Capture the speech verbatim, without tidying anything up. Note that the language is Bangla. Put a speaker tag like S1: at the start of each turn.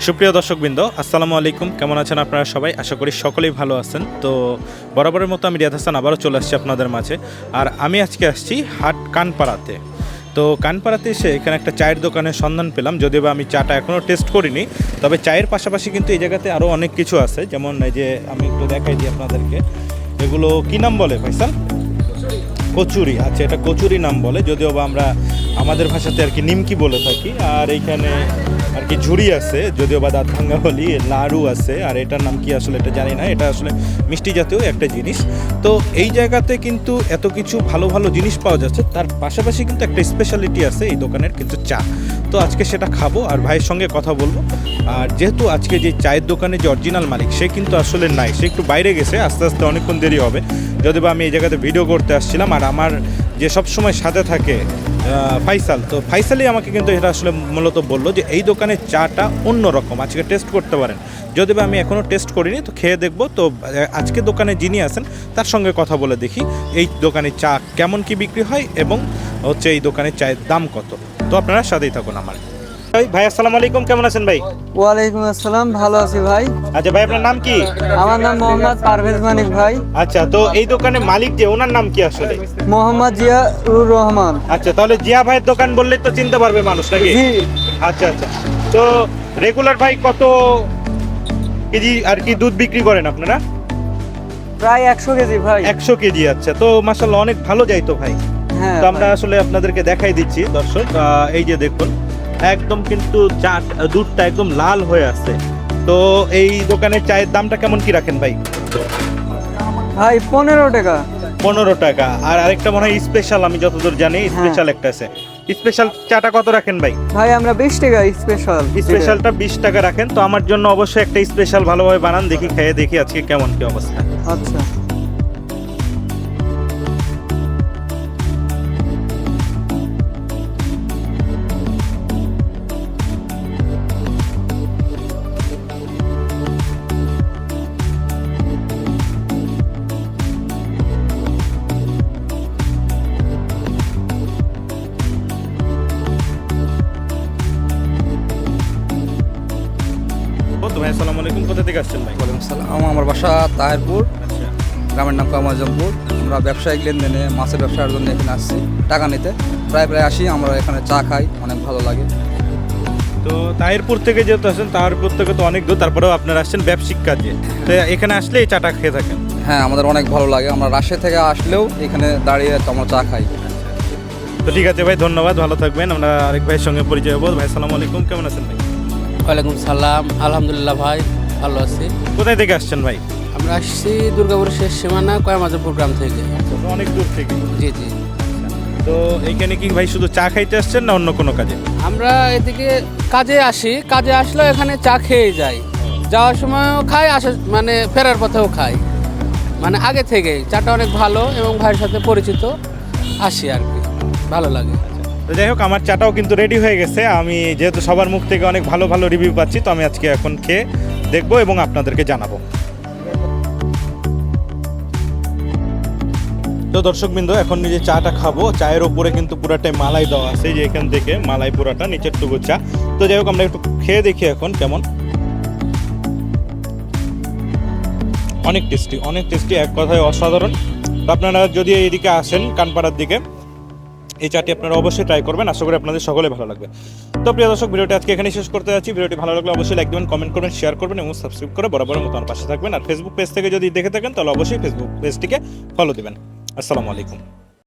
S1: সুপ্রিয় দর্শকবৃন্দ, আসসালামু আলাইকুম। কেমন আছেন আপনারা সবাই? আশা করি সকলেই ভালো আছেন। তো বরাবরের মতো আমি রিয়াদ হাসান আবারও চলে আসছি আপনাদের মাঝে। আর আমি আজকে আসছি হাট কানপাড়াতে। তো কানপাড়াতে এসে এখানে একটা চায়ের দোকানের সন্ধান পেলাম, যদিও বা আমি চাটা এখনও টেস্ট করিনি। তবে চায়ের পাশাপাশি কিন্তু এই জায়গাতে আরও অনেক কিছু আছে, যেমন এই যে আমি একটু দেখাই দিই আপনাদেরকে। এগুলো কী নাম বলে ফাইসাল? কচুরি। আচ্ছা, এটা কচুরি নাম বলে, যদিও বা আমরা আমাদের ভাষাতে আর কি নিমকি বলে থাকি। আর এইখানে আর কি ঝুড়ি আছে, যদিও বা দাঁত ভাঙ্গা বলি। লাড়ু আছে, আর এটার নাম কি আসলে এটা জানি না। এটা আসলে মিষ্টি জাতীয় একটা জিনিস। তো এই জায়গাতে কিন্তু এত কিছু ভালো ভালো জিনিস পাওয়া যাচ্ছে, তার পাশাপাশি কিন্তু একটা স্পেশালিটি আছে এই দোকানের, কিন্তু চা। তো আজকে সেটা খাবো আর ভাইয়ের সঙ্গে কথা বলবো। আর যেহেতু আজকে যে চায়ের দোকানে যে অরিজিনাল মালিক, সে কিন্তু আসলে নাই, সে একটু বাইরে গেছে, আস্তে আস্তে অনেকক্ষণ দেরি হবে। যদিও বা আমি এই জায়গাতে ভিডিও করতে আসছিলাম, আর আমার যে সব সময় সাথে থাকে ফাইসাল, তো ফাইসালই আমাকে কিন্তু এটা আসলে মূলত বললো যে এই দোকানের চাটা অন্যরকম, আজকে টেস্ট করতে পারেন। যদিও বা আমি এখনও টেস্ট করিনি, তো খেয়ে দেখবো। তো আজকে দোকানে যিনি আছেন তার সঙ্গে কথা বলে দেখি এই দোকানে চা কেমন কি বিক্রি হয় এবং হচ্ছে এই দোকানের চায়ের দাম কত। তো আপনারা সাথেই থাকুন আমার। ভাই আসসালামু আলাইকুম, কেমন আছেন ভাই?
S2: ওয়ালাইকুম আসসালাম, ভালো আছি ভাই।
S1: আচ্ছা ভাই, আপনার নাম কি?
S2: আমার নাম মোহাম্মদ পারভেজ মানিক ভাই।
S1: আচ্ছা, তো এই দোকানের মালিক যে, ওনার নাম কি আসলে?
S2: মোহাম্মদ জিয়াউর রহমান।
S1: আচ্ছা, তাহলে জিয়া ভাইয়ের দোকান বললেই তো চিনতে পারবে মানুষ নাকি?
S2: জি।
S1: আচ্ছা আচ্ছা, তো রেগুলার ভাই কত কেজি আর কি দুধ বিক্রি করেন আপনারা?
S2: প্রায় একশো কেজি ভাই।
S1: একশো কেজি। আচ্ছা, তো মাশাআল্লাহ অনেক ভালো যাই তো ভাই।
S2: হ্যাঁ,
S1: তো আমরা আসলে আপনাদেরকে দেখাই দিচ্ছি দর্শক, আহ, এই যে দেখুন, একদম কিন্তু চা দুধটা একদম লাল হয়ে আছে। তো এই দোকানের চায়ের দামটা কেমন কি রাখেন ভাই?
S2: ভাই পনেরো টাকা।
S1: পনেরো টাকা। আর আরেকটা মনে হয় স্পেশাল, আমি যতদূর জানি স্পেশাল একটা আছে। স্পেশাল চাটা কত রাখেন ভাই?
S2: ভাই আমরা বিশ টাকা স্পেশাল।
S1: স্পেশালটা বিশ টাকা রাখেন। তো আমার জন্য অবশ্যই একটা স্পেশাল ভালোভাবে বানান, দেখি খেয়ে দেখি আজকে কেমন কি অবস্থা।
S2: আচ্ছা।
S1: তো ভাই আসসালামু আলাইকুম, কোথা থেকে আসছেন ভাই?
S3: ওয়ালাইকুম আসসালাম। আমার বাসা তাহেরপুর,
S1: আচ্ছা,
S3: গ্রামের নাম কামাজমপুর। আমরা ব্যবসায়িক লেনদেনে মাছের ব্যবসার জন্য এখানে আসছি টাকা নিতে। প্রায় প্রায় আসি, আমরা এখানে চা খাই, অনেক ভালো লাগে।
S1: তো তাহিরপুর থেকে যেহেতু আসেন, তাহিরপুর থেকে তো অনেক দূর, তারপরেও আপনারা আসছেন ব্যবসায়িক কাজে, তো এখানে আসলে এই চাটা খেয়ে থাকেন?
S3: হ্যাঁ, আমাদের অনেক ভালো লাগে। আমরা রাজশাহী থেকে আসলেও এখানে দাঁড়িয়ে আমরা চা খাই।
S1: তো ঠিক আছে ভাই, ধন্যবাদ, ভালো থাকবেন। আমরা আরেক ভাইয়ের সঙ্গে পরিচয় হবো। ভাই আসসালামু আলাইকুম, কেমন আছেন ভাই?
S4: ওয়ালাইকুম সালাম, আলহামদুলিল্লাহ ভাই, ভালো আছি।
S1: কোথায় থেকে আসছেন ভাই?
S4: আমরা আসছি দুর্গাপুরের শেষ সীমানা কয়ামাজাপুর গ্রাম থেকে।
S1: তো অনেক দূর থেকে।
S4: জি জি।
S1: তো এইখানে কি ভাই শুধু চা খাইতে আসছেন না অন্য কোনো কাজে?
S4: আমরা এদিকে কাজে আসি, কাজে আসলেও এখানে চা খেয়ে যাই, যাওয়ার সময়ও খাই, আসা মানে ফেরার পথেও খাই। মানে আগে থেকেই চাটা অনেক ভালো এবং ভাইয়ের সাথে পরিচিত, আসি আর কি, ভালো লাগে।
S1: তো যাই হোক, আমার চাটাও কিন্তু রেডি হয়ে গেছে। আমি যেহেতু সবার মুখ থেকে অনেক ভালো ভালো রিভিউ পাচ্ছি, তো আমি আজকে এখন খেয়ে দেখবো এবং আপনাদেরকে জানাবো। তো দর্শকবৃন্দ, এখন নিজে চাটা খাবো। চায়ের ওপরে কিন্তু পুরাটাই মালাই দেওয়া আছে, যে এখান থেকে মালাই পুরাটা, নিচের টুকু চা। তো যাই হোক, আমরা একটু খেয়ে দেখি এখন কেমন। অনেক টেস্টি, অনেক টেস্টি, এক কথায় অসাধারণ। তো আপনারা যদি এইদিকে আসেন কানপাড়ার দিকে, এই চাটি আপনারা অবশ্যই ট্রাই করবেন। আশা করি আপনাদের সকলে ভালো লাগবে। তো প্রিয় দর্শক, ভিডিওটি আজকে এখানে শেষ করতে যাচ্ছি। ভিডিওটি ভালো লাগলে অবশ্যই লাইক দেবেন, কমেন্ট করবেন, শেয়ার করবেন এবং সাবস্ক্রাইব করে বরাবরের মতো আমার পাশে থাকবেন। আর ফেসবুক পেজ থেকে যদি দেখে থাকেন, তাহলে অবশ্যই ফেসবুক পেজটিকে ফলো দিবেন। আসসালামু আলাইকুম।